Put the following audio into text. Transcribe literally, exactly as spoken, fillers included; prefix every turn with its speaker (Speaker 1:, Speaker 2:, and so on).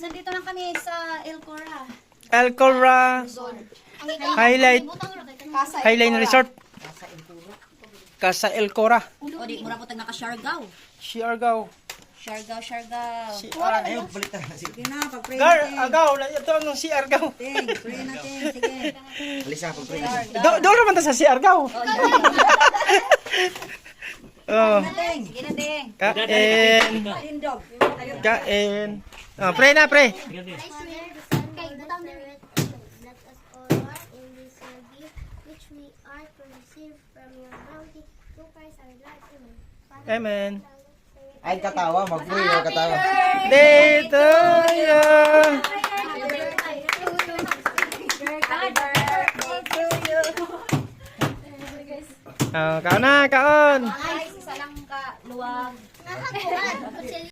Speaker 1: nandito lang kami sa El Cora.
Speaker 2: El Cora Highlight Highline Resort. Casa El Cora.
Speaker 1: O di, mura po tag naka-Siargao.
Speaker 2: Siargao.
Speaker 1: Siargao, Siargao.
Speaker 2: Siargao.
Speaker 3: Sige na, pag-pray
Speaker 2: Gar,
Speaker 3: natin.
Speaker 2: agaw, ito ang Siargao.
Speaker 3: Ting, pray natin. Sige.
Speaker 4: Alisa, pag-pray.
Speaker 2: Do, doon naman ta sa Siargao. Oh,
Speaker 3: Ting.
Speaker 1: Sige na, Ting.
Speaker 2: kain.
Speaker 3: Tindog.
Speaker 2: Kain. Oh, pray na, pray.
Speaker 5: Father, the Son, and the Spirit, let us all walk in this your gift, which we are to receive from your bounty, through Christ our Lord. Amen. Father,
Speaker 2: Amen.
Speaker 4: Ay, katawa. Mag-pray. Ay, katawa.
Speaker 2: Day to you. Oh, kaon na, kaon.
Speaker 1: Ay, isa lang ka luwag.